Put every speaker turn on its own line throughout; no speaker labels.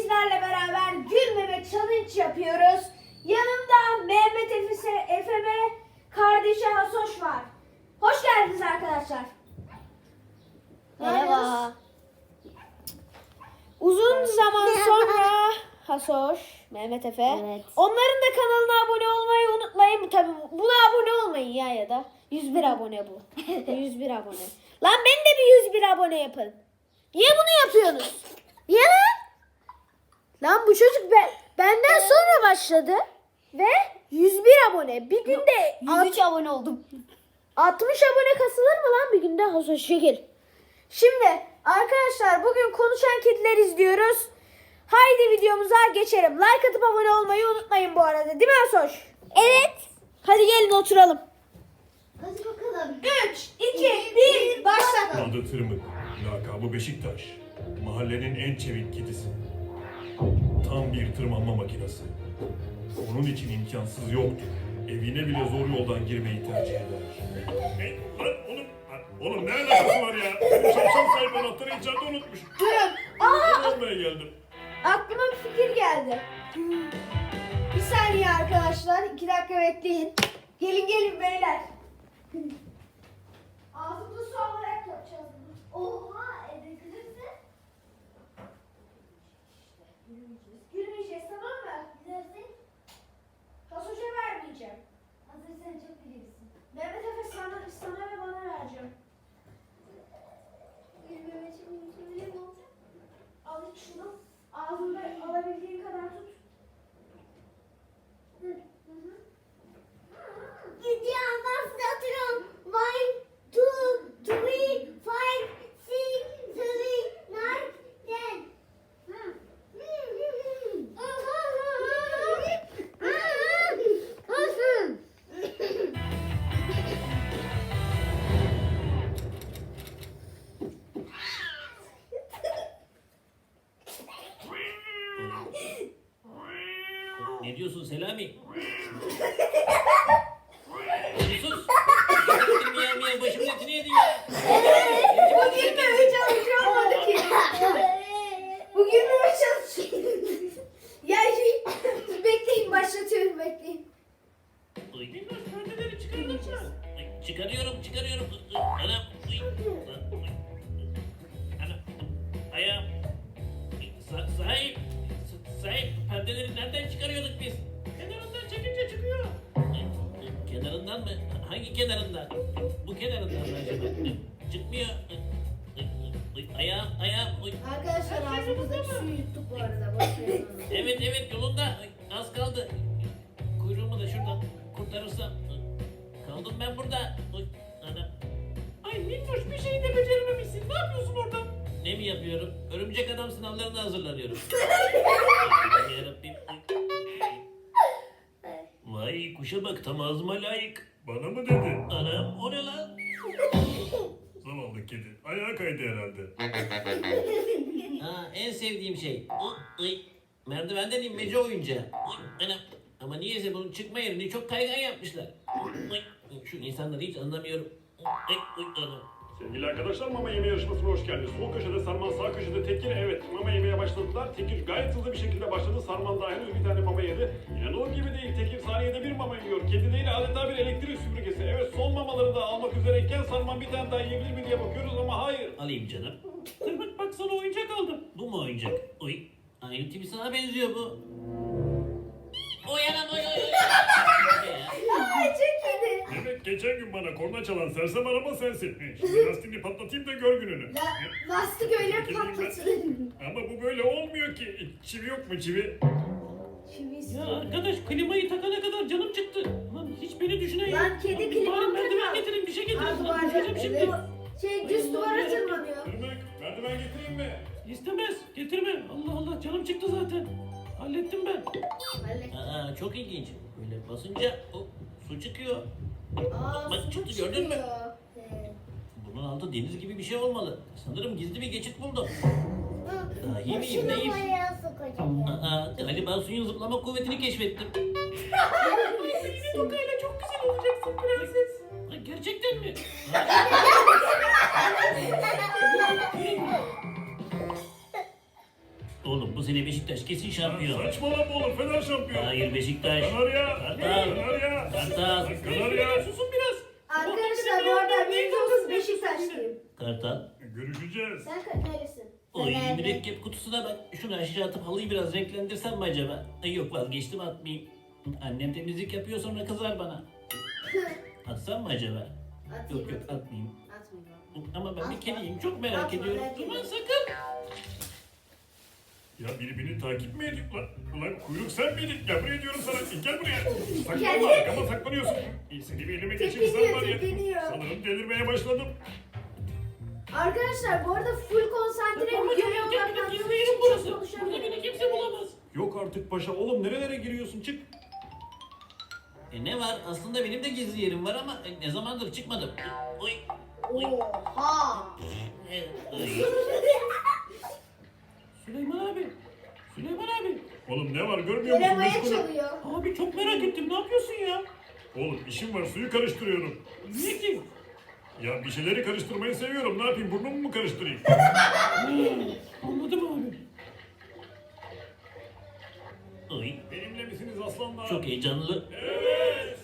sizlerle beraber gülmeme challenge yapıyoruz. Yanımda Mehmet Efe ve kardeşi Hasoş var. Hoş geldiniz arkadaşlar.
Merhaba.
Uzun zaman sonra Hasoş, Mehmet Efe.
Evet.
Onların da kanalına abone olmayı unutmayın. Tabii buna abone olmayın ya da. 101 abone bu. 101 abone. Lan ben de bir 101 abone yapın. Niye bunu yapıyorsunuz? Niye lan? Lan bu çocuk benden sonra başladı. Ve 101 abone. Bir günde
103 abone oldum.
60 abone kasılır mı lan bir günde? Hasoş şekil. Şimdi arkadaşlar bugün konuşan kediler izliyoruz. Haydi videomuza geçelim. Like atıp abone olmayı unutmayın bu arada. Değil mi Hasoş? Evet. Hadi gelin oturalım.
Hadi bakalım.
3, 2, 1 başla.
Adı Tırmık, lakabı Beşiktaş. Mahallenin en çevik kedisi. Tam bir tırmanma makinesi. Onun için imkansız yoktur. Evine bile zor yoldan girmeyi tercih eder. Oğlum ne alakası var ya? Benim şapşal sahibi anahtarı içeride unutmuş.
Durun.
Ben almaya geldim.
Aklıma bir fikir geldi. Bir saniye arkadaşlar. 2 dakika bekleyin. Gelin beyler. Ağzımda su alarak yapacağız bunu.
Oha, edebilirsin.
Gülmeyeceğiz tamam mı?
Gidersin.
Hasoş'a vermeyeceğim.
Hazır sen çok bilirsin.
Mehmet Efe sana ve bana vereceğim.
Gülmeme için öyle mi olacak?
Al iç şunu. Ağzında alabildiğin kadar tut.
Gidiyorum başlatıyorum. 1, 2, 3, 5, 6, 7, 9, 10.
Ne diyorsun Selami? Sus! Miyav miyav başımın etini yedi ya.
Bugün böyle çalışıyor ki. Bugün böyle çalışıyor. Ya bekleyin başlatıyorum bekleyin.
Duydun mu? Perdeleri çıkardın mı? Ay, çıkarıyorum. Anam. Anam. Ayağım. Sahip. Perdeleri nereden çıkarıyorduk biz? Kenarından çekince çıkıyor. Kenarından mı? Hangi kenarından? Bu kenarından mı acaba? Çıkmıyor. Ayağım.
Arkadaşlar ağzımızdaki suyu yuttuk bu arada. Boş verin onu.
Evet yolunda. Az kaldı. Kuyruğumu da şuradan kurtarırsam. Kaldım ben burada. Ana. Ay minnoş bir şey de becerememişsin. Ne yapıyorsun orada? Ne mi yapıyorum? Örümcek adam sınavlarına hazırlanıyorum. Yarabbim. Vay kuşa bak tam ağzıma layık.
Bana mı dedi?
Anam o ne lan?
Zavallı kedi. Ayağa kaydı herhalde.
Ha, en sevdiğim şey. Merdivenden inmece oyuncağı. Anam. Ama niyeyse bunun çıkma yerini çok kaygan yapmışlar. Şu insanları hiç anlamıyorum. Anam.
Sevgili arkadaşlar mama yeme yarışmasına hoş geldiniz. Sol köşede Sarman, sağ köşede Tekir. Evet mama yemeye başladılar. Tekir gayet hızlı bir şekilde başladı. Sarman daha henüz bir tane mama yedi. İnanılır gibi değil. Tekir saniyede bir mama yiyor. Kedi değil adeta bir elektrik süpürgesi. Evet son mamaları da almak üzereyken Sarman bir tane daha yiyebilir mi diye bakıyoruz ama hayır.
Alayım canım. Tırmık bak sana oyuncak aldım. Bu mu oyuncak? Oy. Aynı tipi sana benziyor bu. Oy anam oy.
Ay çok iyiydi.
Evet geçen gün bana korna çalan sersem araba sensin. Şimdi lastiğini patlatayım da gör gününü.
Lastik öyle patlatılır.
Ama bu böyle olmuyor ki. Çivi yok mu çivi?
Çivisi.
Ya arkadaş klimayı takana kadar canım çıktı. Lan hiç beni düşünen yok.
Lan kedi
Abi,
klima
bari merdiven
takar.
getirin bir şey getirin.
Ha,
Lan düşeceğim şimdi.
Düz duvara tırmanıyor.
Tırmık merdiven getireyim mi?
İstemez. Getirme. Allah Allah canım çıktı zaten. Hallettim ben.
Hallet.
Aa çok ilginç. Böyle basınca su çıkıyor.
Aa,
Bak
su
çıktı gördün mü?
çıkıyor.
Bunun altı deniz gibi bir şey olmalı. Sanırım gizli bir geçit buldum. Daha iyi miyim
Şunu
neyim?
buraya sokacağım.
Galiba suyun zıplama kuvvetini keşfettim. Yine tokayla çok güzel olacaksın prenses. Gerçekten mi? Oğlum bu sene Beşiktaş kesin şampiyon.
Saçmalama oğlum, Fener şampiyon.
Hayır Beşiktaş.
Kanarya.
Kartal.
Kanarya.
Kartal.
Kanarya.
Susun biraz.
Arkadaşlar bu arada %30 Beşiktaşlıyım.
Kartal.
Görüşeceğiz.
Sen neresin?
Oy mürekkep kutusuna bak. Şunu aşağı atıp halıyı biraz renklendirsem mi acaba? Ay yok vazgeçtim atmayayım. Annem temizlik yapıyor sonra kızar bana. Atsam mı acaba? Yok yok atmayayım.
Atmayayım.
Ama ben bir kediyim çok merak
Atma,
ediyorum.
merak
Aman
etme.
sakın.
Ya biri takip mi ediyor lan? Ulan kuyruk sen miydin? Ya buraya diyorum sana. Gel buraya. Saklanma,
Geldim.
arkama saklanıyorsun. Seni bir elime geçirip sen var ya.
Tepiniyor.
Sanırım delirmeye başladım.
Arkadaşlar bu arada full konsantre
Ama
videoya
çok yerim
odaklandım.
burası.
Çok
Burada
konuşamıyorum.
beni kimse bulamaz.
Yok artık paşa. Oğlum nerelere giriyorsun? Çık.
Ne var? Aslında benim de gizli yerim var ama ne zamandır çıkmadım. Oy.
Oha.
Oy. Süleyman abi. Süleyman abi.
Oğlum ne var görmüyor musun?
Göremeye
Meşgulüm.
çalıyor.
Abi çok merak ettim. Ne yapıyorsun ya?
Oğlum işim var, suyu karıştırıyorum.
Niye ki?
Ya bir şeyleri karıştırmayı seviyorum. Ne yapayım, burnumu mu karıştırayım?
Anladım abi. Oy.
Benimle misiniz aslanlar?
Çok heyecanlı.
Evet.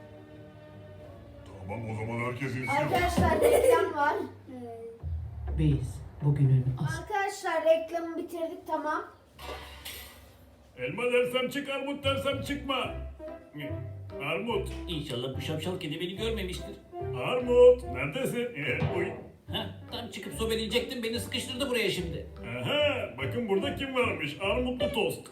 Tamam o zaman herkes insin.
Arkadaşlar reklam var.
Biz bugünün
Arkadaşlar reklamı bitirdik tamam.
Elma dersem çık, armut dersem çıkma. Armut,
İnşallah bu şapşal kedi beni görmemiştir.
Armut, neredesin? Uy.
Heh, tam çıkıp sobeleyecektim beni sıkıştırdı buraya şimdi.
Aha, bakın burada kim varmış? Armutlu tost.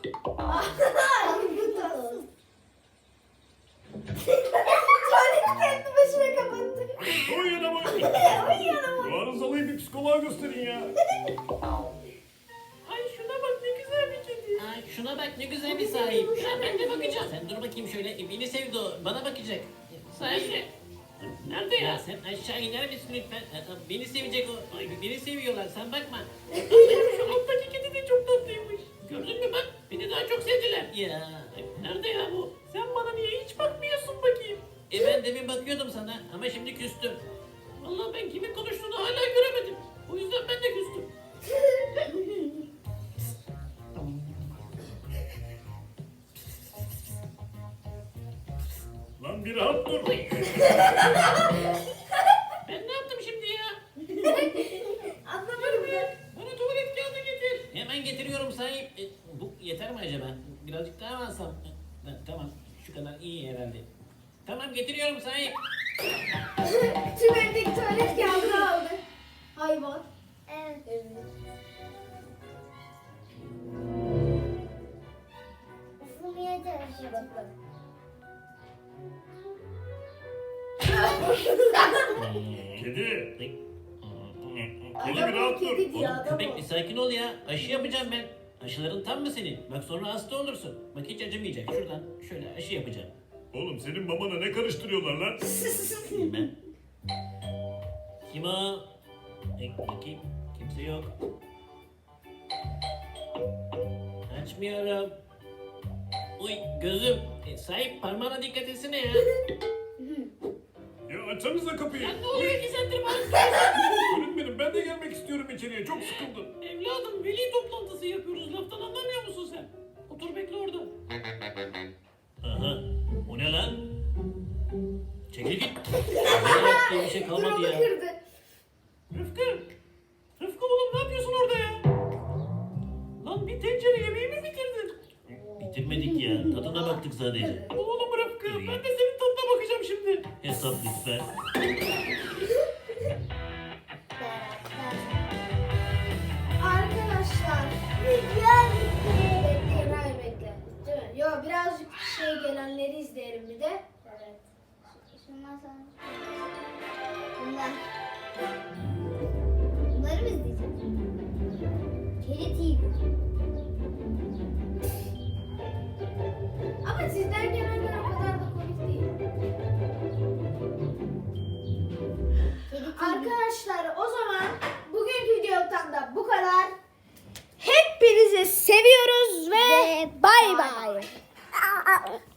Tuvaleti kendi başına kapattı.
Oy yanıma. Bu arızalıyı bir psikoloğa gösterin ya.
Ay şuna bak ne güzel bir kedi. Ay şuna bak ne güzel bir sahip. Ya ben de bakacağım. Sen dur bakayım şöyle. Beni sevdi o. Bana bakacak. Sahibi. Nerede ya? Sen aşağı iner misin lütfen? Beni sevecek o. Ay beni seviyorlar sen bakma. Şu alttaki kedi de çok tatlıymış. Gördün mü bak? Beni daha çok sevdiler. Ya nerede ya bu? Sen bana niye hiç bakmıyorsun bakayım? Ben demin bakıyordum sana ama şimdi küstüm. Vallahi ben kimin konuştuğunu hala göremedim. O yüzden ben de küstüm.
Lan bir rahat dur.
Ben ne yaptım şimdi ya?
Anlamadım ben.
Bana tuvalet kağıdı getir. Hemen getiriyorum sahip. Bu yeter mi acaba? Birazcık daha mı alsam? Tamam. Şu kadar iyi herhalde. Tamam getiriyorum sahip.
Tüm evdeki tuvalet kağıdını aldı. Hayvan.
Evet. Ufumaya çalışıyorum.
Kedi. Kedi bir
Adam
rahat dur.
kedi diyor
Oğlum
adam
köpek
o.
bir sakin ol ya. Aşı yapacağım ben. Aşıların tam mı senin? Bak sonra hasta olursun. Bak hiç acımayacak. Şuradan şöyle aşı yapacağım.
Oğlum senin mamana ne karıştırıyorlar lan?
Bilmem. Kim o? Bakayım. Kimse yok. Açmıyorum. Uy gözüm. Sahip parmağına dikkat etsene ya.
Ya açsanıza kapıyı.
Ya ne oluyor ki sen de bana?
Öğretmenim ben de gelmek istiyorum içeriye. Çok sıkıldım.
Evladım veli toplantısı yapıyoruz. Laftan anlamıyor musun sen? Otur bekle orada. Aha. O ne lan? Çekil git. Ne diye bir şey kalmadı
Durumu
ya.
kırdı.
Rıfkı. Rıfkı oğlum ne yapıyorsun orada ya? Lan bir tencere yemeği mi bitirdin? Bitirmedik ya. Tadına baktık sadece. Oğlum Rıfkı ben de senin tadına bakacağım şimdi. Hesap lütfen.
Arkadaşlar. Bekleyin hayır bekle. Değil mi? Yo birazcık gelenleri izleyelim bir de.
Evet. Şundan sonra. Bunlar. Bunları mı izleyeceğiz? Kedi TV.
Ama sizden gelenler o kadar da komik değil.
Kedi TV.
Arkadaşlar o zaman bugünkü videodan da bu kadar. Hepinizi seviyoruz ve bay bay.